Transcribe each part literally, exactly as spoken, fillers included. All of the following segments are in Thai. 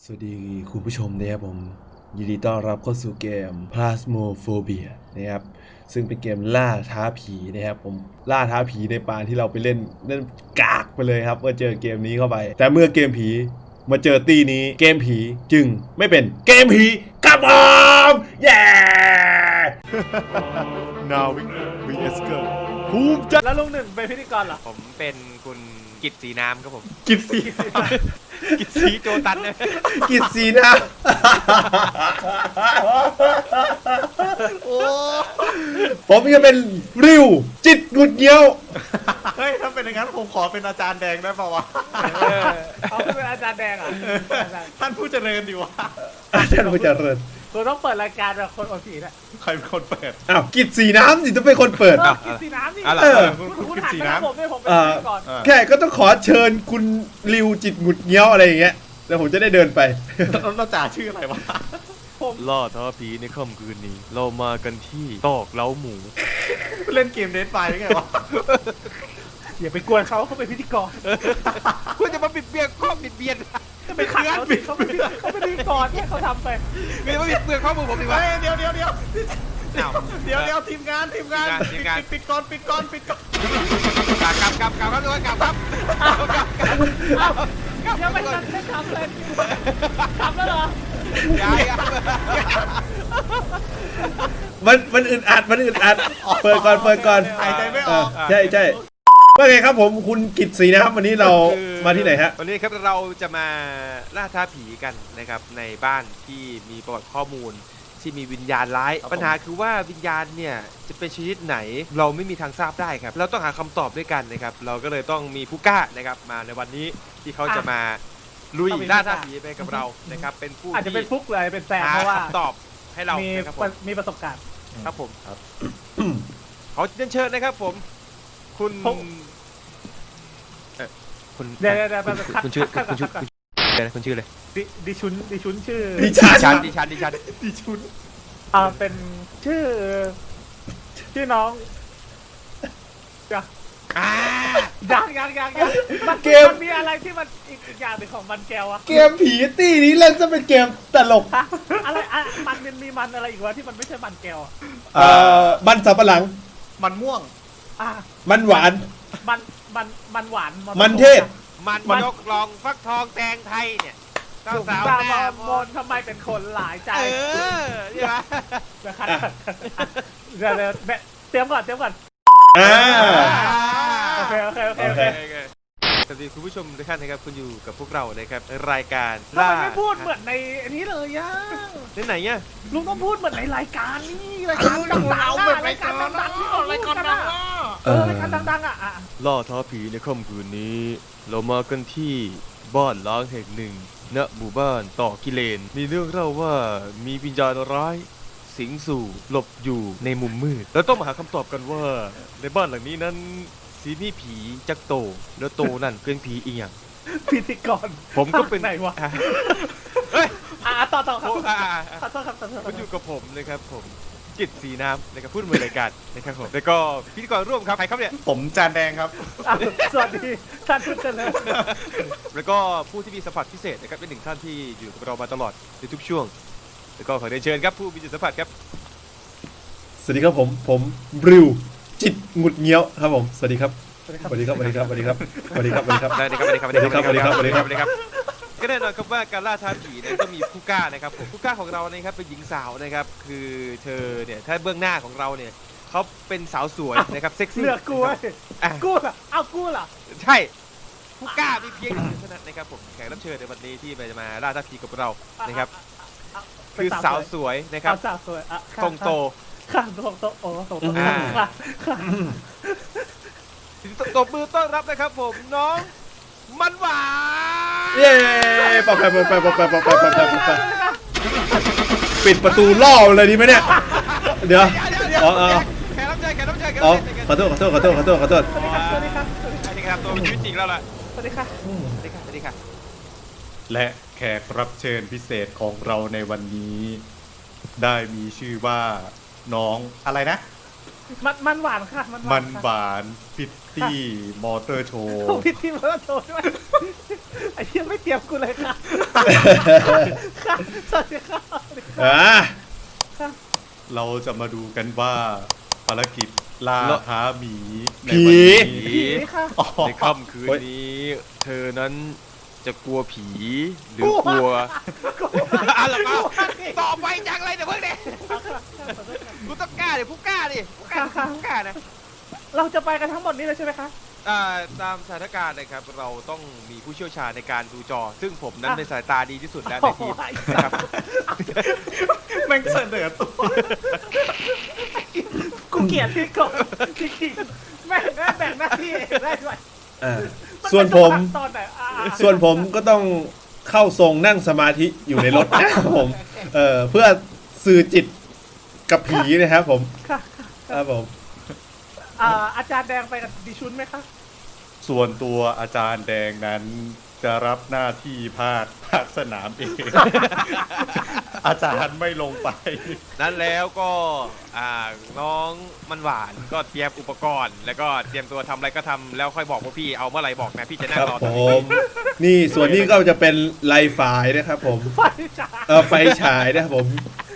สวัสดีคุณผู้ชมนะครับผมยินดีต้อนรับเข้าสู่เกม Phasmophobia นะครับซึ่งเป็นเกมล่าท้าผีนะครับผมล่าท้าผีในปานที่เราไปเล่นเล่นกากไปเลยครับเมื่อเจอเกมนี้เข้าไป แต่เมื่อเกมผีมาเจอตีนี้เกมผีจึงไม่เป็นเกมผีครับผมเย้นาวิกวีเอสเกอร์ภูมิใจแล้วลุงหนึ่งเป็นพิธีกรเหรอผมเป็นคุณกิตสีน้ำครับผมกินสีกิตสีโจตันเนี่ยกิดสีนะโอ้ผมจะเป็นริวจิตหงุดเงี้ยวเฮ้ยถ้าเป็นอย่างนั้นผมขอเป็นอาจารย์แดงได้ป่าวะเอาขึ้นเป็นอาจารย์แดงเหรอ่ะท่านผู้เจริญดีวะอาจารย์ผู้เจริญคุณต้องเปิดรายการแบบคนอดผีนะใครเป็นคนเปิดอ้าวกิดสีน้ำสิต้องเป็นคนเปิดเออกินสีน้ำนี่อะไรเออคุณคุณคุณคุณกินหันสีไปน้ทางผมด้วยผมเป็นอ่าพิธีกรำอ่าแค่ก็ต้องขอเชิญคุณริวจิตหงุดเงี้ยวอะไรอย่างเงี้ยแล้วผมจะได้เดินไปแล้วเราจ่าชื่ออะไรวะล่าท้าผีในค่ำคืนนี้ เรามากันที่ตอกเล้าหมูเล่นเกมเดนไฟได้ไงวะอย่าไปกวนเขาเขาเป็นพิธีกรคุณจะมาบิดเบียนข้อบิดเบียนจะไปขัดเขาสิเขาเป็นเขาเป็นพิธีกรเนี่ยเขาทำไปคุณจะมาบิดเบียนข้อมือผมดีวะเฮ้ยเดี๋ยวเดี๋ยวเดี๋ยวอ้าวเดี๋ยวเดี๋ยวทีมงานทีมงานทีมงานปิดปิดก่อนปิดก่อนปิดก่อนกลับกลับกลับกลับครับทุกคนกลับครับกลับกลับเอ้ายังไม่ทันได้ทำเลยทำแล้วเหรอย้ายครับมันมันอึดอัดมันอึดอัดเปิดก่อนเปิดก่อนหายใจไม่ออกใช่ใช่ว่าไงครับผมคุณกิตสีนะครับวันนี้เรามาที่ไหนฮะวันนี้ครับเราจะมาล่าท้าผีกันนะครับในบ้านที่มีประวัติข้อมูลที่มีวิญญาณร้ายปัญหาคือว่าวิญญาณเนี่ยจะเป็นชนิดไหนเราไม่มีทางทราบได้ครับเราต้องหาคำตอบด้วยกันนะครับเราก็เลยต้องมีผู้กล้านะครับมาในวันนี้ที่เขาจะมาลุยล่าท้าผีไปกับเรานะครับเป็นผู้อาจจะที่เป็นฟุกเลยเป็นแฟนหาเพราะว่าคำตอบให้เรามีนะครับผมมีประสบการณ์ครับผมขอเรียนเชิญนะครับผมคุณผมเอ่อคุณเดี๋ยวเดี๋ยวเดี๋ยวคุณคัดคุณชื่อคัดคุณชื่อคัดเดี๋ยวนะคุณชื่ออะไรดิดิชุนดิชุนชื่อดิดิฉันฉันดิฉันดิฉันดิชุนอ่าเป็นชื่อ ชื่อน้องยังอ่ายังยังยังยังมันเกมมันมีอะไรที่มันอีกอีกอย่างหนึ่งของมันแก้วอะเกมผีตี้นี้เล่นจะเป็นเกมตลกฮะอะไรอะมันมันมีมันอะไรอีกวะที่มันไม่ใช่มันแก้วอะเอ่อมันสับปะหลังมันม่วงอ่ะมันหวานมันมันมันหวานมันเทศมันยกลองฟักทองแตงไทยเนี่ยสาวสาสาว วตาหน้าม มนทำไมเป็นคนหลายใจเออใช่ไหมนะครับเดี๋ยวเดี๋ยวเดี๋ยวเตรียมก่อนเตรียมก่อนอ่าโอเคโอเคโอเคโอโอเคเคสวัสดีคุณผู้ชมทุกท่านนะครับคุณอยู่กับพวกเรานะครับรายการทำไมไม่พูดเหมือนในอันนี้เลยย่าที่ไหนเนี่ยลุงต้องพูดเหมือนในรายการนี่รายการดังๆอะรายการดังๆที่ออกรายการดังๆเออรายการดังๆอ่ะอ่ะล่าท้าผีในค่ำคืนนี้ เรามากันที่บ้านล้างแห่งหนึ่งณหมู่บ้านต่อกิเลน มีเรื่องเล่าว่ามีวิญญาณร้าย สิงสู่หลบอยู่ในมุมมืดแล้วต้องมาหาคำตอบกันว่า ในบ้านหลังนี้นั้นสีมีผีจักโต แล้วโตนั่นเป็นผีอีหยังพิธีกรผมก็เป็นไหนวะอ่ะเฮ้ยอ่ะต่อต่อครับโอ้อ่ะอ่ะอ่ะขอโทษครับขอโทษคคุรับณอยู่กับผมนะครับผมกิตสีน้ำนะครับพูดมือรายการนะครับผมแล้วก็พิธีกรร่วมครับใครครับเนี่ยผมจานแดงครับอ่ะสวัสดีท่านผู้เจริญแล้วก็ผู้ที่มีสัมผัสพิเศษนะครับเป็นหนึ่งท่านที่อยู่กับเรามาตลอดในทุกช่วง แล้วก็ขอเรียนเชิญครับผู้มีจิตสัมผัสครับสวัสดีครับผมผมริวจิตหงุดเงี้ยวครับผมสวัสดีครับสวัสดีครับสวัสดีครับสวัสดีครับสวัสดีครับสวัสดีครับได้เลยครับได้เลยครับสวัสดีครับสวัสดีครับสวัสดีครับก็แน่นอนครับว่าการล่าท้าผีเนี่ยต้องมีผู้กล้านะครับผมผู้กล้าของเรานะครับเป็นหญิงสาวนะครับคือเธอเนี่ยถ้าเบื้องหน้าของเราเนี่ยเขาเป็นสาวสวยนะครับเซ็กซี่เลือกกูเว้ยอ่ะกูล่ะเอ้ากูล่ะใช่ผู้กล้ามีเพียงหนึ่งเท่านั้นนะครับผมแขกรับเชิญในวันนี้ที่จะมาล่าท้าผีกับเรานะครับอ่ะคือสาวสวยนะครับเอาสาวสวยอ่ะค่ะตรงโตค่ะตรงโตโอ้ตรงโตอ่าค่ะค่ะตบมือต้อนรับนะครับผมน้องมันหวานเย้ปอกไปปอกไปปอกไปปอกไปปอกไปปอกไปปิดประตูล่อเลยดีไหมเนี่ยเดี๋ยวอ๋ออ๋อแขกรับเชิญแขกรับเชิญแขกอ๋อรับเชิญขอโทษขอโทษขอโทษขอโทษขอโทษสวัสดีครับสวัสดีครับอันนี้ครับตัวเป็นชีวิตจริงแล้วล่ะสวัสดีครับสวัสดีค่ะสวัสดีค่ะและแขกรับเชิญพิเศษของเราในวันนี้ ได้มีชื่อว่าน้องอะไรนะมันมันหวานค่ะมันหวามัน นค่ะหวานพิตตี้มอเตอร์โชว์โอ้พี่ทีมเราโชว์ด้วยไอ้เหี้ยังไม่เตรียมกูเลยค่ะค่ะสวัสดีค่ะอ่าค่ะเราจะมาดูกันว่าภารกิจล่าท้าหมีในผีวันนี้ผีค่ะอ๋อในค่ำคืนนี้ เธอนั้นจะกลัวผีหรือกลัวอะไรมาต่อไปจังไรเดี๋ยวเพิ่งเด็กูต้องกล้าดิผู้กล้าดิผู้กล้าผู้กล้านะเราจะไปกันทั้งหมดนี้เลยใช่ไหมคะอ่าตามสถานการณ์นะครับเราต้องมีผู้เชี่ยวชาญในการดูจอ ซึ่งผมนั้นในสายตาดีที่สุดแล้วในทีมนะครับแม่งเสนอตัวกูเกลียดพี่กบจริงๆแม่งแม่งแบ่งหน้าที่เองได้ด้วยอ่าส่วนผมตอนไหนอ่าส่วนผมก็ต้องเข้าทรงนั่งสมาธิอยู่ในรถนะครับผม เออเพื่อสื่อจิตกับผีนะครับผมค่ะครับผมอ่าอาจารย์แดงไปกับดิชุนไหมคะส่วนตัวอาจารย์แดงนั้นจะรับหน้าที่ภาคภาคสนามเอง อาจารย์ไม่ลงไปนั้นแล้วก็อ่าน้องมันหวานก็เตรียมอุปกรณ์ แล้วก็เตรียมตัวทำอะไรก็ทำแล้วค่อยบอกพวกพี่เอาเมื่อไหร่บอกนะพี่จะนั่คงรับรอผตรงนี้ม นี่ส่วนนี้ก็จะเป็นไลฟ์ไฟล์นะครับผมไฟจ้าเออไฟฉายนะครับผม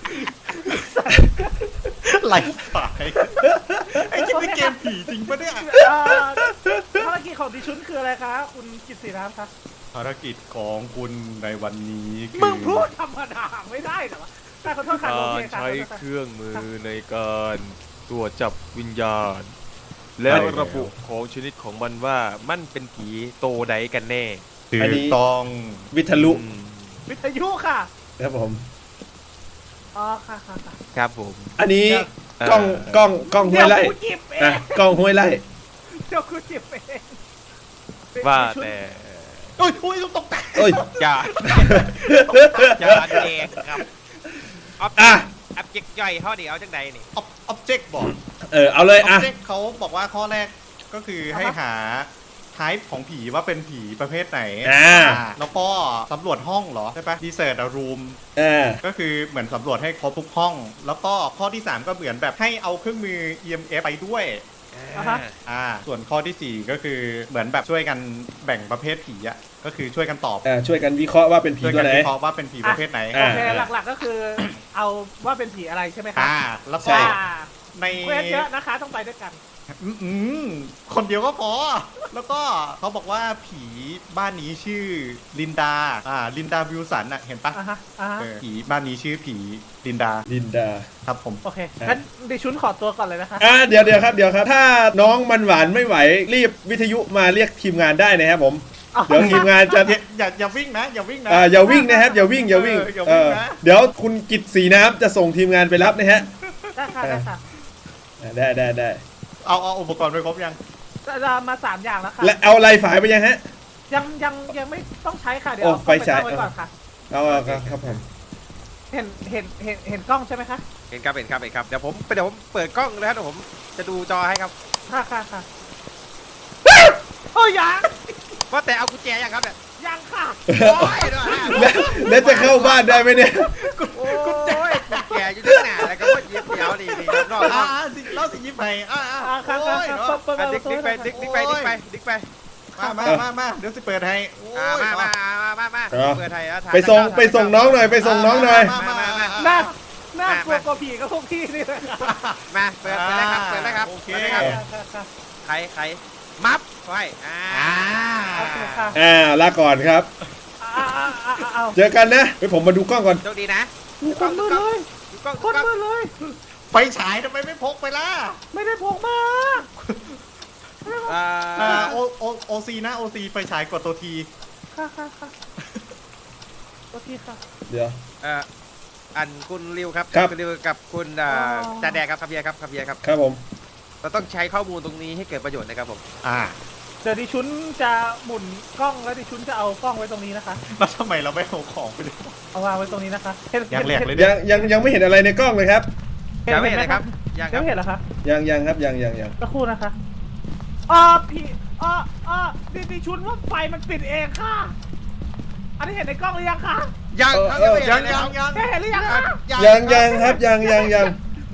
ไหลสายไอ้ที่นี่เกมผีจริงปะเนี่ยอ่าภารกิจของดิชุนคืออะไรคะคุณกิตติน้ำคะภารกิจของคุณในวันนี้คืมึงพูดธรรมดาไม่ได้เหรอวะแต่ขอโทษค่ะกาโอรเคค่ะใช้ขอโทษค่ะเครื่องมือในการตรวจจับวิญญาณ และระบุของชนิดของมันว่ามันเป็นผีโตใดกันแน่ถือันอนี้ต้องวิทยุอืมวิทยุค่ะครับผมอ๋อค่ะค่ะค่ะครับผมอันนี้เอ่อกล้องกล้องกล้องห้เดี๋วย ยว ไล่กูจิบเอนะงกล้องห้วยไล่เดี๋ยวกูจิบเองว่าดิชุนแต่โอ้ยโอ้ยตกใจเอ้ยอย่าอย่าแดงครับออบอ่ะแอบเจ็กย่อยเขาเดี๋ยวเอาจังใดนี่ออบเจกต์บอกเออเอาเลยอออ่ะบเจกต์เขาบอกว่าข้อแรกก็คือให้หาไทป์ของผีว่าเป็นผีประเภทไหนอ่าอ่าแล้วก็สำรวจห้องเหรอ ใช่ปะดีเซอร์ดรูมเออก็คือเหมือนสำรวจให้ครบทุกห้อง แล้วก็ข้อที่ สาม ก็เหมือนแบบให้เอาเครื่องมือ อี เอ็ม เอฟ ไปด้วยอ่าฮะอ่า ส่วนข้อที่ สี่ ก็คือเหมือนแบบช่วยกันแบ่งประเภทผีอะก็คือช่วยกันตอบอ่าช่วยกันวิเคราะห์ว่าเป็นผีช่วยตักัวไหนวิเคราะห์ว่าเป็นผีประเภทไหนอ่าโอเคหลักๆก็คือ เอาว่าเป็นผีอะไรใช่ไหมคะอ่า แล้วใช่ก็อ่าในเควสเยอะนะคะต้องไปด้วยกันอืมอืมคนเดียวก็พอ แล้วก็เขาบอกว่าผีบ้านนี้ชื่อลินดา อ่า ลินดาวิลสันอะเห็นปะอ่าฮะอ่าฮะเออผีบ้านนี้ชื่อผีลินดาลินดาครับผมโอเคงั้นดิชุนขอตัวก่อนเลยนะคะอ่าเดี๋ยวเดี๋ยวครับเดี๋ยวครับ ถ้าน้องมันหวานไม่ไหว รีบวิทยุมาเรียกทีมงานได้นะครับผม เดี๋ยวทีมงานจะอย่าอย่าอย่าวิ่งนะ อย่าวิ่งนะอ่าอย่าวิ่งนะครับอย่าวิ่งอย่าวิ่งเอออย่าวิ่งนะเออเดี๋ยวคุณกิตสีน้ำจะส่งทีมงานไปรับนะฮะได้ค่ะได้ค่ะอ่าได้ได้ได้เอาเอาอุปกรณ์ไปครบยังจะมาสามอย่างแล้วค่ะและเอาไลฟ์ไฟล์ไปยังฮะยังยังยังไม่ต้องใช้ค่ะเดี๋ยวโอ้เอาไฟฉายเข้าไปตั้งไว้ก่อนค่ะเอาเอาครับครับผมเห็นเห็นเห็นเห็นกล้องใช่ไหมคะเห็นครับเห็นครับเห็นครับเดี๋ยวผมเดี๋ยวผมเปิดกล้องเลยครับเดี๋ยวผมจะดูจอให้ครับค่ะค่ะค่ะโอ้ยยังว่าแต่เอากุญแจยังครับเนี่ยยังค่ะโอ้ยเดี๋ยวนะแล้วแล้วจะเข้าบ้านได้ไหมเนี่ยโอ้ยกุญแจอยู่ที่ไหนแล้วก็ว่าเย็บเดี๋ยวดีดีครับนอกอ่าสิเล่าสิยิบไปอ่าอ่าอ่าค่ะโอ้ค่ะยค่ะเนาะเปิดเปิดดิกดิกไปดิกดิกไปดิกไปดิกไปมามามามาเดี๋ยวสิเปิดให้โอ้อ่ายมามามามามาเออเปิดไทยแล้วไปส่งไปส่งน้องหน่อยไปส่งน้องหน่อยมามามามาน่าน่ากลัวกว่าผีกับพวกพี่นี่เลยค่ะมาเปิดเปิดเลยครับเปิดเลยครับโอเคเปิดเลยครับค่ะค่ะใครใครมัฟไว้อ่าอ่าโอเคค่ะอ่าลาก่อนครับอ่าอ่าอ่าอ่าเอาเจอกันนะไปผมมาดูกล้องก่อนโชคดีนะมีคนมือเลยดูกล้องคดูนกล้องมือเลยไฟฉายทำไมไม่พกไปล่ะไม่ได้พกมาอ่าอ่าโอโอโอซีนะโอซีไฟฉายกดตัวทีค่ะค่ะค่ะโอเคค่ะเดี๋ยวเอ่ออันคุณริวครับครับณริวกับคุณอ่าอ๋อจ่าแดกครับคาเบียร์ครับคาเบียร์ครับครับผมเราต้องใช้ข้อมูลตรงนี้ให้เกิดประโยชน์นะครับผมอ่าเดี๋ยวดิชุนจะหมุนกล้องแล้วดิชุนจะเอากล้องไว้ตรงนี้นะคะแล้วทำไมเราไม่เอาของไปด้วยเอาวางไว้ตรงนี้นะคะเห็นอย่างแรกเลยยังยังยังไม่เห็นอะไรในกล้องเลยครับยังไม่เห็นเลยครับยังคยัรังบไม่เห็นเหรอคะยังยังครับยังยังยังสักครู่นะคะอ๋อพี่อ๋ออ๋อดิดิชุนว่าไฟมันปิดเองค่ะ อันนี้เห็นในกล้องหรือยังคะยังครับยังไม่เห็นยังเลยยัครังบยังได้เห็นหรือยังคะยังยังครับยังยังยังม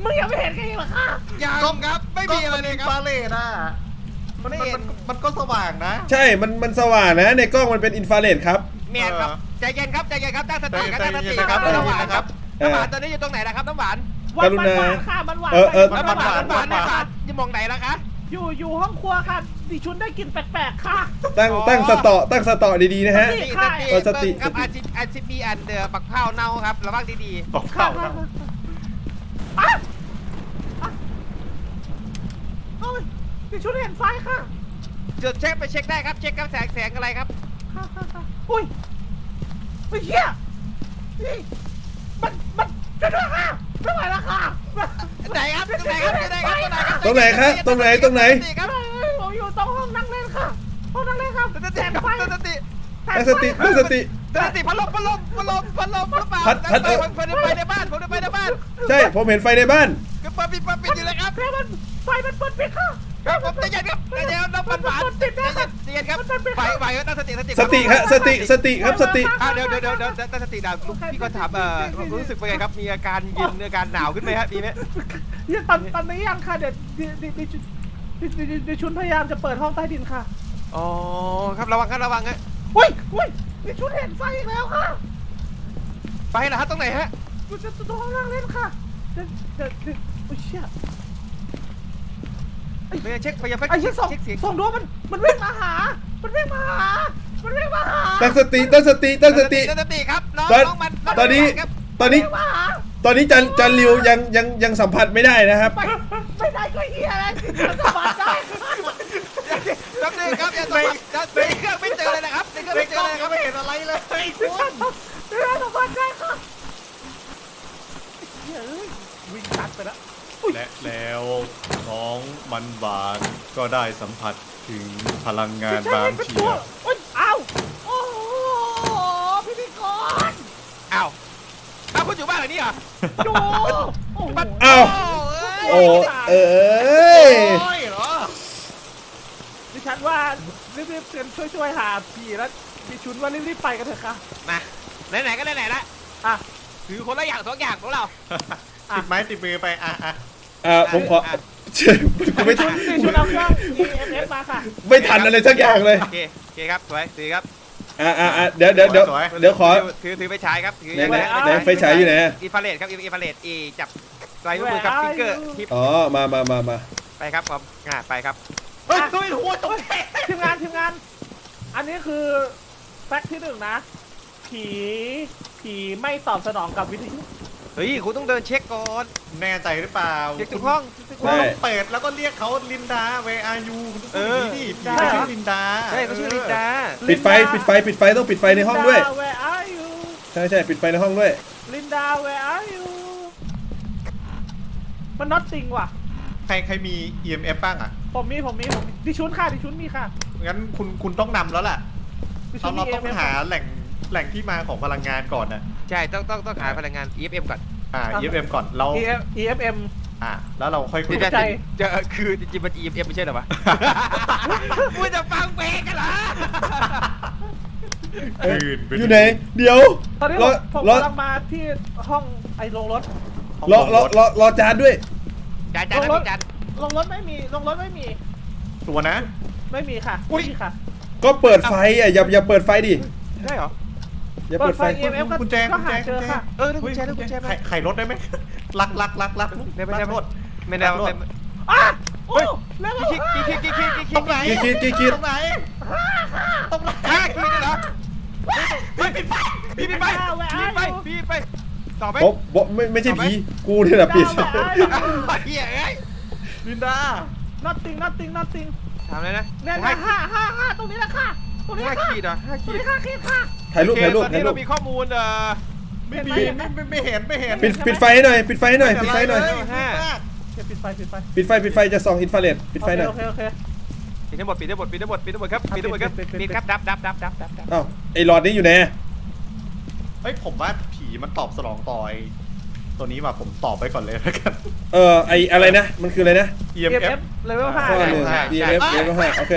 มึงยังไม่เห็นกันอีกเหรอค่ะยังครับไม่มีอะไรเลยครับฟาเลตอ่ะมันมันมันมันก็สว่างนะใช่ มันมันสว่างนะ ในกล้องมันเป็นอินฟราเรดครับเมียนครับใจเย็นครับใจเย็นครับตั้งสติครับใจตั้งสเย็นติๆครับนะครับน้ำหวานครับเออน้ำหวานตอนนี้อยู่ตรงไหนนะครับน้ำหวานวันกรุมันณาหวานค่ะมันหวานเออเออไปน้ำหวานไปน้ำหวานไปน้ำหวานอยู่มองไหนแล้วคะอยู่อยู่ห้องครัวค่ะดิชุนได้กลิ่นแปลกๆค่ะตั้งตั้งสตอตั้งสตอดีๆนะฮะสติค่ะเออสติเบิ่งครับสติอาชิอาชิมีอันเดอร์ปักเผาเน่าครับระวังดีตกเข้าครับอ่ะอ่ะเอ้ยดิชุนเห็นไฟค่ะๆจุดเช็คไปเช็คได้ครับเช็คครับแสงแสงอะไรครับค่ะค่ะค่ะอุ้ยไอ้เหี้ยนี่มันมันจะด้วยค่ะไม่ไหวแล้วค่ะไหนครับตรงไหนครับตรงไหนครับตรงไหนครับตรงไหนตรงไหนสติครับเอ้ยผมอยู่ตรงห้องนั่งเล่นค่ะห้องนั่งเล่นครับตั้งสแสติงครับไฟตั้งสติตั้งสติตั้งสติตั้งสติพัดลมพัดลมพัดลมพัดลมหรือเปล่าพัดพัดไปผมไปในบ้านผมไปในบ้านใช่ ผมเห็นไฟในบ้านก็เปิดปิดเปิดปิดอยู่เลยครับแล้วมันไฟมันเปิดปิดค่ะครับผมใจเย็นครับใจเย็นน้ำมันหวานใจเย็นใจเย็นครับไปไปตั้งสติสติสติฮะสติสติครับสติอ่าเดี๋ยวเดี๋ยวเดี๋ยวเดี๋ยวตั้งสติดาวลุงพี่ก็ถามเอ่อรู้สึกเป็นไงครับมีอาการเย็นอาการหนาวขึ้นไหมฮะมีไหมยังตอนตอนนี้ยังค่ะเดี๋ยวดิดิดิดิดิดิดิชุนพยายามจะเปิดห้องใต้ดินค่ะอ๋อครับระวังครับระวังฮะอุ้ยอุ้ยดิชุนเห็นไฟอีกแล้วค่ะไปเหรอฮะตรงไหนฮะมันจะตรงห้องนั่งเล่นค่ะเดี๋ยวเดี๋ยวเดี๋ยวโอ้ยเชี่ยไปเช็คไปยังไอ้เชี่ยส่งเช็คเสียงส่งดวงมันมันวิ่งมาหา มันวิ่งมาหา มันวิ่งมาหาตั้งสติตั้งสติตั้งสติตั้งสติครับน้องตอนน้องมันตอนนี้ครับตอนนี้วิ่งมาหาตอนนี้จันจันริวยังยังยังสัมผัสไม่ได้นะครับไปไม่ได้ก็เฮียอะไรมันสบายใจครับนี่ครับอย่าสมัครในเครื่องไม่เจอเลยนะครับในเครื่องในไม่เจกล้อองเลยคก็รับไม่เห็นอะไรเลยไม่ได้สบายใจค่ะเฮ้ยวิ่งตัดไปแล้วและแล้วน้องมันหวานก็ได้สัมผัสถึงพลังงานบางเฉียบโอ้ยอ้าวโอ้โหพิธีกรอ้าวอ้าวคุณอยู่บ้านหลังนี้เหรอดูโอ้โหอ้าวโอ้โอ้ยเอ้ยโอ้ยเหรอดิฉันว่ารีบๆเตือนช่วยๆหาผีแล้วดิชุนว่ารีบๆไปกันเถอะค่ะมาไหนๆก็ไหนๆละอ่ะถือคนละอย่างสองอย่างของเราติดไม้ติดมือไปอ่ะอ่ะอ่าผมขอเชื่อกูไม่ดิชุนดิชุนเอาเครื่อง อี เอ็ม เอส มาค่ะไม่ทันอะไรสักอย่างเลยโอเคโอเคครับสวยถือครับอ่าอ่าอ่าเดี๋ยวเดี๋ยวเดี๋ยวเดี๋ยวขอถือถือไปฉายครับถือไหนไหนไหนไฟฉายอยู่ไหนอะอินฟราเรดครับอินฟราเรดอีจับลายนิ้วมือครับฟิงเกอร์ทิปอ๋อมามามามาไปครับผมอ่าไปครับเฮ้ยเฮ้ยหัวตกทีมงานทีมงาน อันนี้คือแฟกต์ที่หนึ่งนะ ผีผีไม่ตอบสนองกับวิทยุเฮ้ยคุณต้องเดินเช็คก่อนแน่ใจหรือเปล่าเช็คทุกห้องเช็คทุกคุณห้องต้องเปิดแล้วก็เรียกเขาลินดา where are you คุณต้องพูดอย่างนี้ดิผีได้เขาเหรอชื่อลินดาใช่เขาชื่อลินดาปิดไฟปิดไฟปิดไฟต้องปิดไฟในห้องด้วยลินดา where are you ใช่ใช่ปิดไฟในห้องด้วยลินดา where are you มันน็อตติงว่ะใครใครมี อี เอ็ม เอฟ บ้างอ่ะผมมีผมมีผมมีดิชุนค่ะดิชุนมีค่ะงั้นคุณคุณต้องนำแล้วล่ะดิชุเรานมีเราต้องเอ็มเอฟหาแหล่งแหล่งที่มาของพลังงานก่อนนะใช่ต้องต้องต้องหาพลังงาน อี เอฟ เอ็ม ก่อนอ่า อี เอฟ เอ็ม ก่อนเราเอฟเอฟเอ็มอ่าแล้วเราค่อยคุยเข้าใจจะคือจริงๆมัน อี เอฟ เอ็ม ไม่ใช่เหรอวะมึงจะฟังเพลงกันเหรอคืนปอยู่ไหน เดี๋ยวตอนนี้รผอมผมรอกำลังมาที่ห้องไอ้โรงรถรอรอรอรอจานด้วยจานจานนะพี่จานโรงรถไม่มีโรงรถไม่มีตัวนะไม่มีค่ะอุ๊ยไม่มีค่ะก็เปิดไฟอ่ะอย่าอย่าเปิดไฟดิได้เหรออย่าเปิดไฟเปิดไฟ อี เอ็ม เอฟกุญแจก็กุญหาแจเจอค่ะเออได้กุญแจได้กุญแจไขไขรถได้ไหมลักลักลักลักได้ไหมลัได้กไหมรถไม่ได้ไม่อ่ะโอ้เร็วคิดคิดคิดคิดคิดคิดตรงไหนกี่คิดกี่คิดตรงไหนตรงไหนห้าคิดเลยเหรอพี่ปิดไฟพี่ปิดไฟพี่ไปพี่ไปต่อไหมผมผมไม่ไม่ใช่ผีกูเนี่ยแหละปิดเฮียเอ้ยลินดา nothing nothing nothing ถามเลยนะเนี่ยนะห้าห้าห้าตรงนี้แหละค่ะตรงนี้ห้าค่ะขีดเหรอห้าตรงขีดนี้ห้าขีดค่ะถ่ายรูปถ่ายรูปตอนถ่ายนี้รูเราปมีข้อมูลเอ่อไม่มีไม่ไม่ไม่เห็นไม่เห็นปิดปิดไฟให้หน่อยปิดไฟให้หน่อยปิดไฟให้หน่อยห้าเดี๋ยวปิดไฟปิดไฟปิดไฟปิดไฟจะส่องอินฟราเรดปิดไฟหน่อยโอเคโอเคปิดทั้งหมดปิดทั้งหมดปิดทั้งหมดปิดทั้งหมดครับปิดทั้งหมดครับปิดครับดับดับดับดับดับดับอ้าวไอ้หลอดนี้อยู่ไหนเฮ้ยผมว่าผีมันตอบสนองต่อยตัวนี้มาผมตอบไปก่อนเลยแล้วกันเออไออะไรนะมันคืออะไรนะอีเอเอ็มฟเอเอฟฟเลเวลห้าข้อหนึ่งใช่ E M F ใช่เลเวลห้าโอเค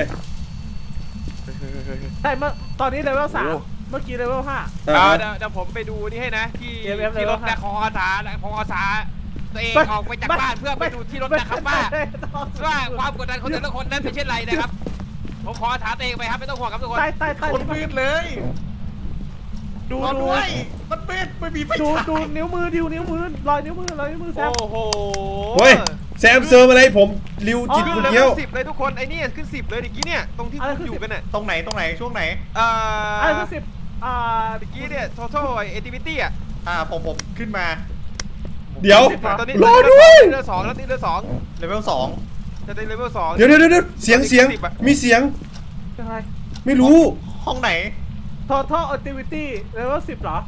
ใช่เมื่อตอนนี้เลเวลสามเมื่อกี้เลเวลห้าอ่าเดี๋ยวเดี๋ยวผมไปดูนี่ให้นะที่เอฟเอฟที่รถเลเวลห้านะคออาสาคออาสาตัวเองออกไปจากบ้านเพื่อไปดูที่รถนะครับว่าว่าความกดดันของแต่ละคนนั้นเป็นเช่นไรนะครับผมขอถามตัวเองไปครับไม่ต้องห่วงครับทุกคนใต้ใต้ใต้คนมืดเลยดูรอดูด้วยมันมืดไม่มีไฟดูฉายดูนิ้วมือดิวนิ้วมือรอยนิ้วมือรอยนิ้วมือแซมโอ้โหเฮ้ยแซมเซิร์ฟอะไรผมริวจิตอ๋อคุณขึ้นเกี้ยวสิบเลยทุกคนไอ้นี่ขึ้นสิบเลยเมื่อกี้เนี่ยตรงที่อะไรคุณขึ้นอยู่สิบกันเนี่ยตรงไหนตรงไหนช่วงไหนเอ่ออะไรคือสิบอ่าเมื่อกี้เนี่ย total activity อ่ะอ่าผมผมขึ้นมาเดี๋ยวตอนนี้รอด้วยเรือสองแล้วนี่เรือสองเลเวลสองจะได้เลเวลสองเดี๋ยวเดี๋ยวเดี๋ยวเสียงเสียงมีเสียงอะไรไม่รู้ห้องไหน total activity level สิบเหรอ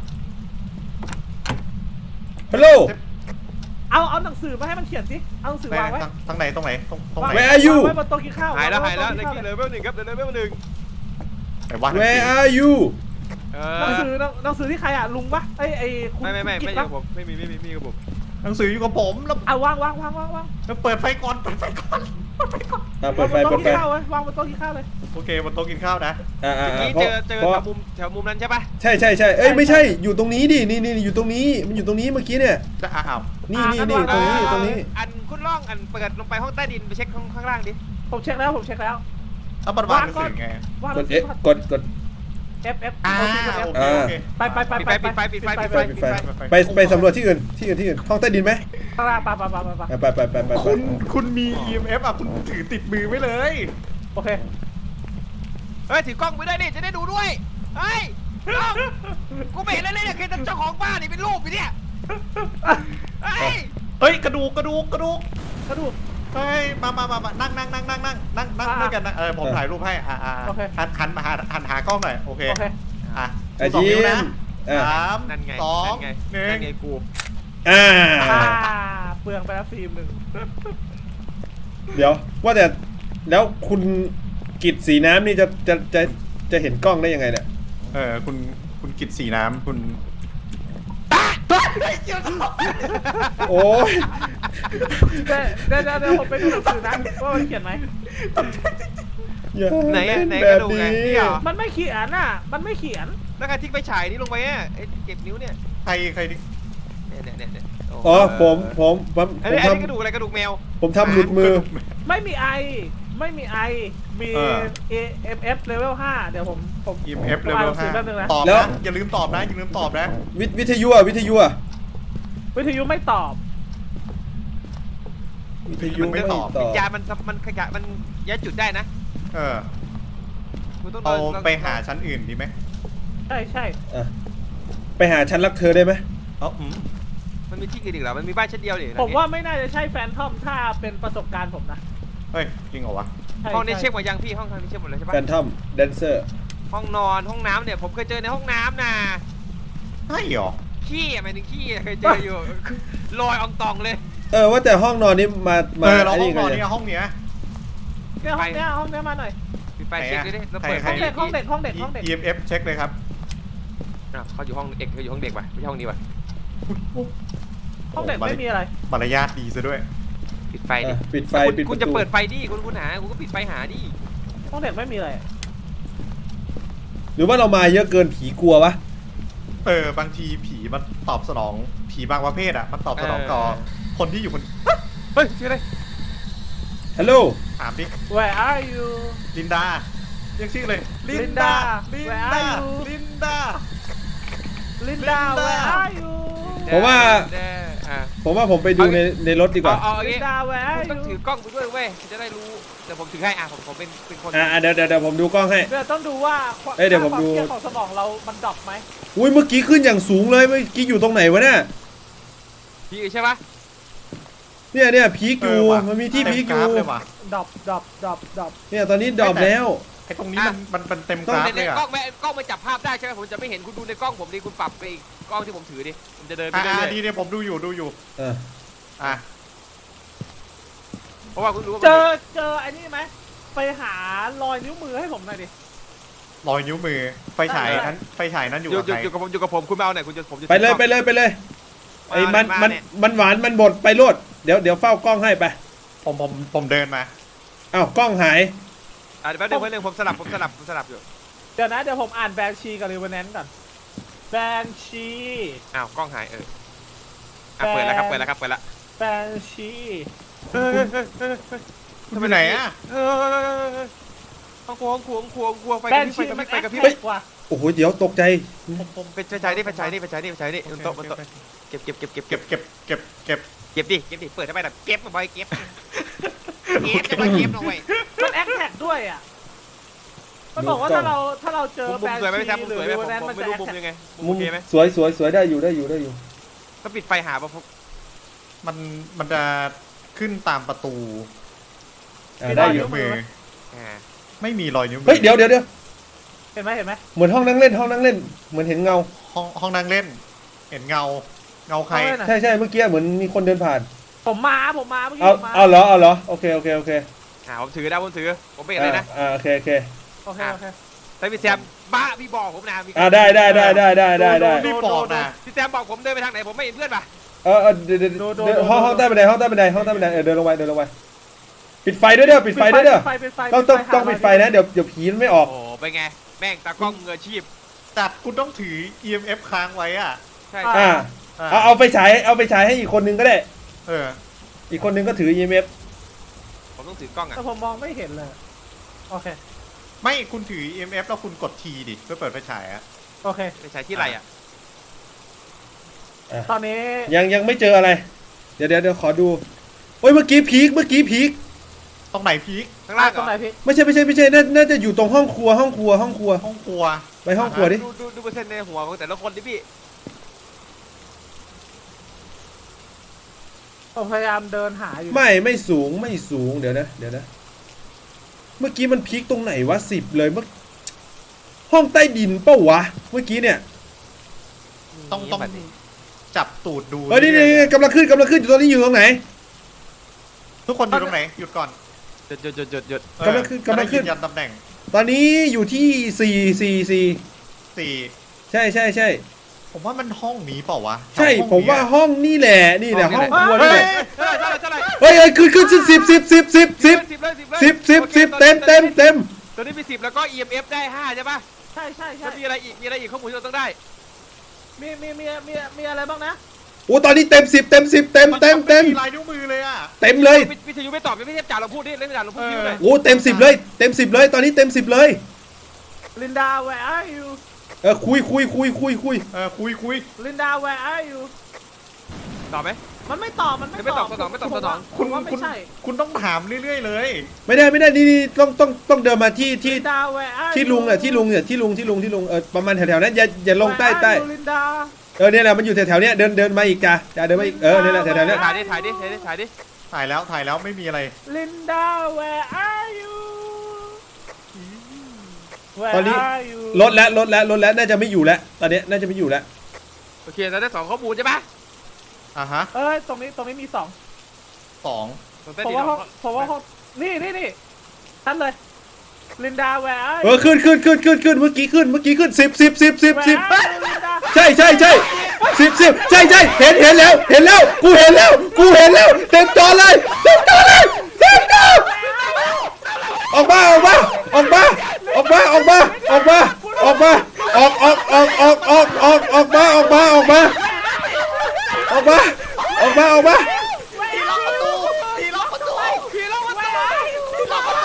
ฮัลโหลเอาเอาหนังสือมาให้มันเขียนสิเอาหนังสือวางไว้ทางทางไหนตรงไหนตรงตรงไหน Where are you วางไว้บนโต๊ะกินข้าวหายแล้วงหายแล้วบนเลโต๊ะยกินเลข้าวเวลหนึ่งครับเลเวลหนึ่งไหนวะ Where are you เอหนังอสือหนังสือที่ใครอ่ะลุงปะไอ้ไอ้คุณไม่ไม่ไม่คุณไม่กิจอยู่ปะกับผมไม่มีไม่มีไม่มีกับผมหนังสืออยู่กับผมแล้วเอาวางวางวางวางวางแล้วเปิดไฟก่อนเปิดไฟก่อนเปิดไฟก่อนอ่ะเปิดไฟวางบเปินดโต๊ะไฟกินข้าวไว้วางบนโต๊ะกินข้าวเลยโอเคบนโต๊ะกินข้าวนะอ่าอ่าเมื่อกี้เพเจราะอเจอเพราะแถวมุมแถวมุมนั้นใช่ปะใช่ใช่ใช่เอ้ยไม่ใช่อยู่ตรงนี้ดินี่นี่อยู่ตรงนี้มันอยู่ตรงนี้เมื่อกี้เนี่ยจะอ้าวนี่นี่นี่ตรงนี้ตรงนี้อันคุณล่องอันเปิดลงไปห้องใต้ดินไปเช็คห้องข้างล่างดิผมเช็คแล้วผมเช็คแล้วเอาบัตรวางหนังสือไงวางหกนัดงสืเอ๊ะอกดกด F F อ่าโอเคโอ F เคโอเคไปไปไปปิดไฟปิดไฟปิดไฟปิดไฟปิดไฟไปไปสำรวจที่อื่นที่อื่นที่อื่นห้องใต้ดินไหมข้างล่างไปไปไปไปไปไปไปไปไปไปคุณคุณมี อี เอ็ม เอฟ อ่ะคุณถือติดมือไว้เลยโอเคเฮ้ยถือกล้องไปด้วยดิจะได้ดูด้วยเฮ้ยกล้องกูไม่เห็นอะไรเลยเนี่ยคือเจ้าของบ้านนี่เป็นรูปอยู่เนี่ยเฮ้ยเฮ้ยกระดูกกระดูกกระดูกกระดูกเฮ้ยมามามามานั่งนั่งนั่งนั่งนั่งนั่งนั่งอ่ะด้วยกันนะเออผมถ่ายรูปให้อ่าอ่าโอเคหันหันมาหาหันหากล้องหน่อยโอเคโอเคอ่ะอ่ะสองยิ้นิ้วนะมอ่ะสามนั่นไงสองนั่นไงหนึ่นั่งนไงกูอ่าอ่าเปลืองไปแล้วฟิล์มหนึ่งเดี๋ยวว่าแต่แล้วคุณกิจสีน้ำนี่จะจะจะจะเห็นกล้องได้ยังไงเนี่ยเออคุณคุณกิตสีน้ำคุณโอ้ยเดี๋ยวเดี๋ยวเดี๋ยวเดี๋ยวผมไปดูหนังสือนะว่ามันเขียนไหมอย่าไหนเล่อะนไหนแบกระบดูกไงนี้นี่เหรอมันไม่เขียนอ่ะ มันไม่เขียนแล้วการทิ้งไฟฉายนี่ลงไปอ่ะไอ้เก็บนิ้วเนี่ยใครใครดิเนี่ยเนี่ยเนี่ยเนี่ยโอ๋อผมผมผมผอันมนี้อันทนี้กระดูกอะไรกระดูกแมวำผมทำหลุดมือไม่มีไอ ไม่มีไอ มี A M F level ห้าเดี๋ยวผมผมอี เอ็ม เอฟผมเลอ่านเวหลนังสืห้าอแป๊บนึงนะตอบแล้วนะอย่าลืมตอบนะอย่าลืมตอบนะวิวิทยุอ่ะวิทยุอ่ะวิทยุไม่ตอบวิทยุไม่ตอบวิญญาณมันมันขยะมันย้ายจุดได้นะเออกูต้องเอาดินไปหาชั้นอื่นดีไหมใช่ใช่อ่ะไปหาฉันรักเธอได้ไหมเอ้าอืมมันมีที่อื่นอีกเหรอมันมีบ้านชั้นเดียวดิผมว่าไม่น่าจะใช่แฟนทอมถ้าเป็นประสบการณ์ผมนะเฮ้ยจริงเหรอวะใช่ห้องนี้ใช่เช็คหมดยังพี่ห้องทางนี้เช็คหมดเลยใช่ปะแฟนทอมแดนเซอร์ห้องนอนห้องน้ำเนี่ยผมเคยเจอในห้องน้ำนะใช่เหรอขี้อะหมายถึงขี้อะเคยเจออยู่ ลอยอองตองเลยเออว่าแต่ห้องนอนนี้มามาเออเราห้ไอ้องนอนกัเนี่ยห้องเนี้ยเนี่ยห้องเนี้ยห้องเนี้ยมาหน่อยปิดไฟเช็คด้วยดิเราเปิดใครห้องเด็กห้องเด็กห้องเด็กห้องเด็กอี เอ็ม เอฟ เช็คเลยครับอ่ะเขาอยู่ห้องเอกเขาอยู่ห้องเด็กป่ะไม่ใช่ห้องนี้ป่ะห้องเด็กไม่มีอะไรมารยาทดีซะด้วยปิดไฟดิอ่ะปิดไฟคุณปิดปคุณระจะตูเปิดไฟดิคุณคุณหาคุณก็ปิดไฟหาดิห้องเด็กไม่มีอะไรหรือว่าเรามาเยอะเกินผีกลัววะเออบางทีผีมันตอบสนองผีบางประเภทอ่ะมันตอบสนองต่อคนที่อยู่คนเฮ้ยชื่ออะไรฮัลโหลถามดิ Where are you ลินดาเรียกชื่อเลย ลิน Linda ดา ลิน Where ดา are you? ลินดา Linda Linda Where are you ผมว่าแน่อ่ะผมว่าผมไปดูในในรถดีกเอาว่าเอาอย่างงี้ Linda Where คุ are ณต้องถื you อกล้องไปด้วยเว้ยจะได้รู้เดี๋ยวผมถือให้อ่ะผมผมเป็นเป็นคนอ่าเดี๋ยวเดี๋ยวเดี๋ยวผมดูกล้องให้เดี๋ยวต้องดูว่าเอ้ยเดี๋ยวผมดูค่าความเครียดของสมองเรามันดรอปไหมอุ้ยเมื่อกี้ขึ้นอย่างสูงเลยเมื่อกี้อยู่ตรงไหนวะเนี่ยพี่ใช่ปะเนี่ยเนี่ยพีคอยู่เว่ะมันมีที่เต็พีคอกรายู่ฟเลยว่ะดรอปดรอปดรอปดรอปเนี่ยตอนนี้ดรอปแล้วไอ้ตรงนี้มันมันมันเต็มกราฟในเลยอ่ะกล้องแม่กล้องมันจับภาพได้ใช่ไหมผมจะไม่เห็นคุณดูในกล้องผมดิคุณปรับไปอีกกล้องที่ผมถือดิผมจะเดินไปอ่าเรื่อยดีเนี่ยผมดูอยู่ดูอยู่เอออ่ะๆเพราะว่าคุณรู้ว่าเจอเจอไอ้นี่ไหมไปหารอยนิ้วมือให้ผมหน่อยดิรอยนิ้วมือไฟฉายได้นั้นไฟฉายนั้นอยู่อยู่กับอยู่ใครอยู่กับผมอยู่กับผมคุณมาเอาไหนอยคุณจะผมจะไปเลยไปเลยไปเลยไอ้มันมามันเนี่ยมันหวานมันบดไปโลดเดี๋ยวเดี๋ยวเฝ้ากล้องให้ไปผมผมผมเดินมาอ้าวกล้องหายอ่ะเดี๋ยวแป๊บนึงแป๊บนึงผมสลับผมสลับผมสลับอยู่เดี๋ยวนะเดี๋ยวผมอ่านแบงชีกับรีเวนแนนก่อนแบงชีอ้าวกล้องหายเอออ่ะเปิดแล้วครับเปิดแล้วครับเปิดแล้วแแฟนชีเฮ้ยเฮ้ยเฮ้ยเฮ้ยเฮ้ยคุณไปไหนอ่ะเฮ้ยห้องครัวห้องครัวห้องครัวห้องครัวไฟแฟกระนพริบชีไฟกระพมัรินบไฟกระพริบแอคกว่าโอ้โหเดี๋ยวตกใจผมผมเป็นไฟฉายนี่ไฟฉายนี่ไฟฉายนี่ไฟฉายนี่บนโต๊ะบนโต๊ะเก็บเก็บเก็บเก็บเก็เก็บบ เก็บเก็บเก็บเก็บดิเก็บดิเปิดทำไมล่ะเก็บมาบ่อยเก็บเก็บจะมาเก็บหน่อยมันแอคแท็กด้วยอ่ะมันบอกว่าถ้าเราถ้าเราเจอมุมแฟนสวยไหมชีพี่แซมมุมหรืสอวยไหมวิผมวแนนผมมันไม่จะรู้แอคมุมแท็กยังไงมุมมุโอมเคไหมสวยสวยสวยได้อยู่ได้อยู่ได้อยู่ก็ปิดไฟหาป่ะผมมันมันจะขึ้นตามประตูอ่าได้อยู่นิ้วมืออ่าไม่มีรอยนิ้วมืเฮ้ยเดี๋ยวเดี๋ยวเดี๋ยวเห็นไหมเห็นไหมเหมือนห้องนั่งเล่นห้องนั่งเล่นเหมือนเห็นเงาห้องห้องนั่งเล่น เห็นเงา เงาใครเอาไว้หน่อยใช่ใช่เมื่อกี้เหมือนมีคนเดินผ่านผมมาผมมาเมื่อกี้เอาผมมาเอาเหรอเอาเหรอโอเคโอเคโอเคอ่าผมถือได้ผมถือผมไม่เห็นเลยนะอ่าโอเคโอเคโอเคโอเคแต่พี่แซมบ้าพี่บอกผมนะมีอ่าได้ได้ได้ได้ได้ได้ได้รีบบอกนะพี่แซมบอกผมเดินไปทางไหนผมไม่เห็นเพื่อนป่ะเออเออเดี๋ยวเดี๋ยวเดี๋ยวห้องห้องใต้บันไดห้องใต้บันไดห้องใต้บันไดเออเดินลงไปเดินลงไปปิดไฟด้วยเด้อปิดไฟด้วยเด้อปิดไฟปิดไฟต้องต้องหาต้องปิดไฟนะเดี๋ยวเดี๋ยวผีมันไม่ออกโอ้ไปไงแม่งตากล้องมืออาชีพจัดคุณต้องถือ อี เอ็ม เอฟ ค้างไว้อ่ะใช่อ่าอ่าเอาเอาไปฉายเอาไปฉายให้อีกคนนึงก็ได้เอออีกคนนึงก็ถือ อี เอ็ม เอฟผมต้องถือกล้องอ่ะแต่ผมมองไม่เห็นเลยโอเคไม่คุณถือ อี เอ็ม เอฟ แล้วคุณกดทีดิเพื่อเปิดไฟฉายอ่ะโอเคไปใช้ที่ไรอ่ะตอนนี้ยังยังไม่เจออะไร เดี๋ยวเดี๋ยวเดี๋ยวขอดูโอ้ยเมื่อกี้พีคเมื่อกี้พีคตรงไหนพีคข้างล่างตรงไหนเหรอพี่ไม่ใช่ไม่ใช่ไม่ใช่น่าน่าจะอยู่ตรงห้องครัวห้องครัวห้องครัวห้องครัวไปห้องครัวดิดูดูดูเปอร์เซ็นต์ในหัวของแต่ละคนดิพี่ผมพยายามเดินหาอยู่ไม่ไม่สูงไม่สูงเดี๋ยวนะเดี๋ยวนะ เมื่อกี้มันพีคตรงไหนวะสิบเลยเมื่อห้องใต้ดินเป้าวะเมื่อกี้เนี่ยต้องต้องจับตูดดูเออนี่นี่รื่อยๆกำลังขึ้นกำลังขึ้นอยู่ตอนนี้อยู่ตรงไหนทุกคนอยู่ตรงไหน หยุดก่อนหยุดหยุดหยุดหยุดหยุดเออกำลังขึ้นกำลังขึ้นจะได้ยืยันตำแหน่งตอนนี้อยู่ที่สี่สี่สี่สี่ใช่ใช่ใช่ผมว่ามันห้องนี้เปล่าวะใช่ห้องผมว่านี้อะห้องนี่แหละนี่แหละห้องครัวเฮ้นี่ยแหละเท่าไหร่เท่าไหร่เท่าไหร่เฮ้ยเฮ้ยขึ้นขึ้นสิบสิบสิบสิบสิบสิบสิบเลยสิบเลยสิบสิบสิบเต็มเต็มเต็มตอนนี้มีสิบแล้วก็ อี เอ็ม เอฟ ได้ห้าใช่ป่ะใช่ใช่ใช่แล้วมีอะไรอีกมีอะไรอีกข้อมูลที่เราต้องได้มีมีมีมีมีอะไรบ้างนะโอ้ตอนนี้เต็มสิบเต็มสิบเต็มเต็มเต็มลายนิ้วมือเลยอ่ะเต็มเลยวิทยุไม่ตอบไม่ใช่จ่าเราพูดดิเล่นจ่าเราพูดดิเลยโอ้เต็มสิบเลยเต็มสิบเลยตอนนี้เต็มสิบเลยลินดา where are you เออคุยคุยคุยคุยคุยเออคุยคุยลินดา where are you ตอบไหมมันไม่ตอบมันไม่ไม่ตอบสนองไม่ตอบสนองคุณผมว่าไม่คุณใช่คุณต้องถามเรื่อยๆเลยไม่ได้ไม่ได้นี่นี่ต้องต้องต้องเดินมาที่ที่ลินดา where are you ที่ลุงอ่ะที่ลุงเนี่ยที่ลุงที่ลุงที่ลุงเออประมาณแถวๆนั้นอย่าอย่าลงใต้ Where are ใต้ you, ลินดาเออเนี่ยแหละมันอยู่แถวๆเนี้ยเดินเดินมาอีกจ้ะจ้ะเดินมาอีกเออเนี่ยแหละแถวๆเนี้ยถ่ายดิถ่ายดิถ่ายดิถ่ายดิถ่ายแล้วถ่ายแล้วไม่มีอะไรลินดา where are you Where ตอนนี้ are you ลดแล้วลดแล้วลดแล้วน่าจะไม่อยู่แล้วตอนนี้น่าจะไม่อยู่แล้วโอเคเราได้สองข้อมูลใช่ปะอ่ะฮะเอ้ยตรงนี้ตรงนี้มีสองสองผมว่าห้องผมว่าห้องนี่นี่นี่ทันเลยลินดา where are เอ you อขึ้นขึ้นขึ้นขึ้นขึ้นเมื่อกี้ขึ้นเมื่อกี้ขึ้นสิบสิบสิบสิบสิบ Where are you, ลินดาใช่ใช่ใช่สิบสิบใช่ใช่เห็นเห็นแล้วเห็นแล้วกูเห็นแล้วกูเห็นแล้วเต็มจอเลยเต็มจอเลยเต็มจอออกมาออกมาออกมาออกมาออกมาออกมาออกมาออกออกออกออกออกออกออกมาออกมาออกมาออกมาออกมาออกมาทีล็อกประตูทีล็อกประตูผีล็อกประตูผีล็อกประตู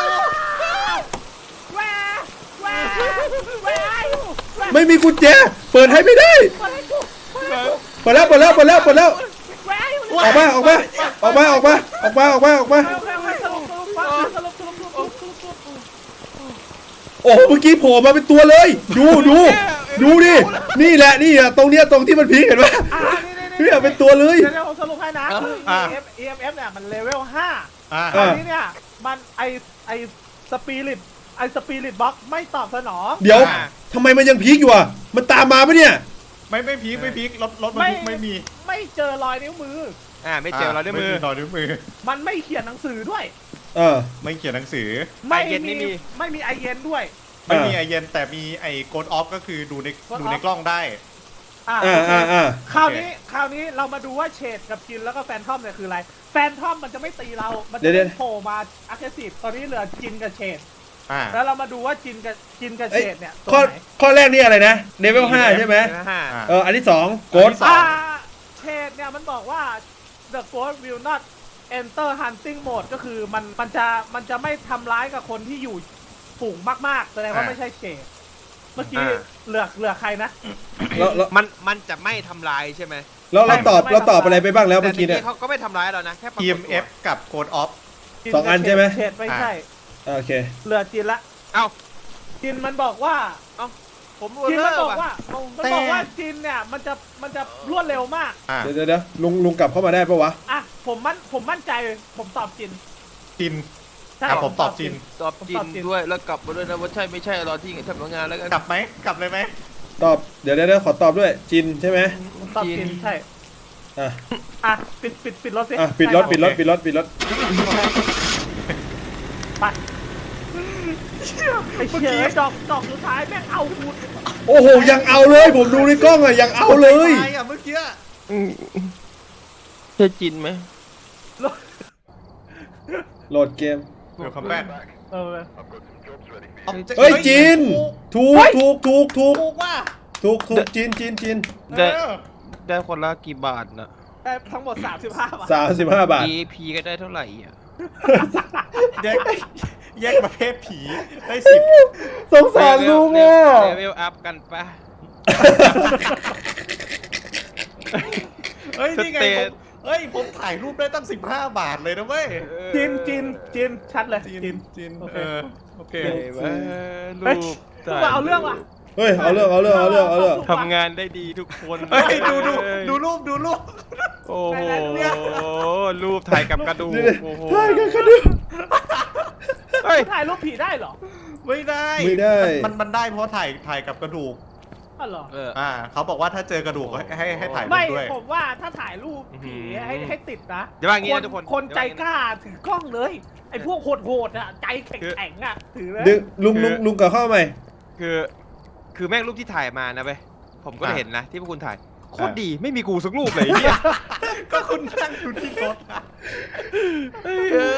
Where Where Where are you ไม่มีกุญแจเปิดให้ไม่ได้เปิดแล้วเปิดแล้วเปิดแล้วเปิดแล้ว Where are you ออกมาออกมาออกมาออกมาออกมาออกมาออกมาโอเคโอเคสรุปสรุปว่าสรุปสรุปสรุปสรุปสรุปสรุปโอ้โหเมื่อกี้โผล่มาเป็นตัวเลย ดูดูดูดินี่แหละนี่อะตรงเนี้ยตรงที่มันพีคเห็นปะอ่านี่นี่เนี่ยเป็นตัวเลยเดี๋ยวเดี๋ยวผมสรุปให้นะคืออ่า E M F E M F เนี่ยมันเลเวลห้าอ่ะอันนี้เนี่ยมันไอไอสปิริตไอสปิริตบล็อกไม่ตอบสนองเดี๋ยวทำไมมันยังพีคอยู่อ่ะมันตามมาปะเนี่ยไม่ไม่พีคไม่พีครถรถมันพีคไม่มีไม่เจอรอยนิ้วมืออ่าไม่เจอเราด้วยมือรอยนิ้วมือมันไม่เขียนหนังสือด้วยเออไม่เขียนหนังสือไม่ไอเย็นไม่มีไม่มีไอเย็นด้วยไม่มีอ่าไอเย็นแต่มีไอโกดออฟก็คือดูใน Code ดู off ในกล้องได้อ่าอ่าอ่าอ่าคราวนี้คราวนี้เรามาดูว่าเฉดกับจินแล้วก็แฟนทอมเนี่ยคืออะไร แฟนทอมมันจะไม่ตีเรา มันจะไม่โผล่มาอักเสบตอนนี้เหลือจินกับเฉดอ่าแล้วเรามาดูว่าจินกับจินกับเอ้ยเฉดเนี่ยตรข้องไหนข้อแรกนี่อะไรนะเลเวลห้าใช่ไหมห้าอ่าเอออันที่สองโกดสองอ่าเฉดเนี่ยมันบอกว่า the ghost will not enter hunting mode ก็คือมันมันจะมันจะไม่ทำร้ายกับคนที่อยู่ฝูงมากๆแสดงว่าอ่าไม่ใช่เฉดเมื่อกี้อ่าเหลือเหลือใครนะแล้วแล้วมันมันจะไม่ทำลายใช่ไหมแล้วเราตอบไม่เราตอบไม่อะไรไปบ้างแล้วแต่เมื่อกี้ในเนี่ยเขาก็ไม่ทำร้ายเรานะแค่ปรากฏทีตัวเอ็ม เอฟ กับโกดออฟจิสองอันใช่ไหมเฉดไม่ใช่อ่าโอเคเหลือจินละเอ้าจินมันบอกว่าเอ้าผมรู้จินเรื่มัอน งบอกว่าว่ะมันบอกว่าจินเนี่ยมันจะมันจะรวดเร็วมากอ่าเดี๋ยวเดี๋ยวเดี๋ยวลุงลุงกลับเข้ามาได้ปะวะอ่ะผมมั่นผมมั่นใจผมตอบจินจินใช่อ่ะผมตอบจินตอบจินด้วยแล้วกลับมาด้วยนะว่าใช่ไม่ใช่รอที่ทำงานแล้วกันกลับไหมกลับเลยไหมตอบเดี๋ยวเดี๋ยวเดี๋ยวขอตอบด้วยจินใช่ไหมผมตอบจินใช่อ่ะอ่ะปิดปิดปิดรถสิอ่ะปิดรถใช่ปิดรถปิดรถปิดรถไปไอ้เชี่ยไอ้ดอกดอกสุดท้ายแม่งเอาคุณโอ้โหยังเอาเลยผมดูในกล้องอ่ะยังเอาเลยตายอ่ะเมื่อกี้ใช่จินไหมโหลดเกมเดี๋ยวคัมแบ็กเออเฮ้ยจินถูกถูกถูกถูกถูกว่าถูกถูกจินจินจินได้เออได้คนละกี่บาทนะได้ทั้งหมดสามสิบห้าบาทสามสิบห้าบาทอี พี ก็ได้เท่าไหร่อ่ะแยกแยกประเภทผีได้สิบสงสารลุงอ่ะเลเวลอัพกันปะเฮ้ยนี่ไงสเตผทมเฮ้ยผมถ่ายรูปได้ตั้งสิบห้าบาทเลยนะเว้ยจินจินจินชัดเลยจินจินจินโอเคเออโอเคเฮ้ยว่าเฮ้ยรูปกูมาเอาเรื่องว่ะเฮ้ยเอาเรื่องเอาเรื่องเอาเรื่องเอาเรื่องทำงานได้ดีทุกคนเฮ้ยดูดูดูรูปดูรูปโอ้โหรูปถ่ายกับกระดูกนี่เลยโอ้โหใช่กันกันดูเฮ้ยถ่ายรูปผีได้เหรอไม่ได้ไม่ได้มันมันได้เพราะถ่ายถ่ายกับกระดูกอ๋อเหรอเอออ่าเขาบอกว่าถ้าเจอกระดูกให้ให้ให้ถ่ายรูไม่ปด้วยผมว่าถ้าถ่ายรูปผีอื้อหือให้ให้ติดนะเดี๋ยวว่าอย่างงี้นะทุกคนคนใจเดี๋ยวว่าอย่างงี้กล้าถือกล้องเลย ไอ้พวกโหดๆอ่ะใจแข็งๆอ่ะถือเลยดึงลุงลุงลุงกลับเข้ามาใหม่คือ คือแม่งรูปที่ถ่ายมานะเว้ยผมก็อ่ะเห็นนะที่พวกคุณถ่ายโคตรดีไม่มีกูสักรูปเลยไอ้เหี้ยก็คุณนั่งอยู่ที่รถอะเฮ้ยเอ้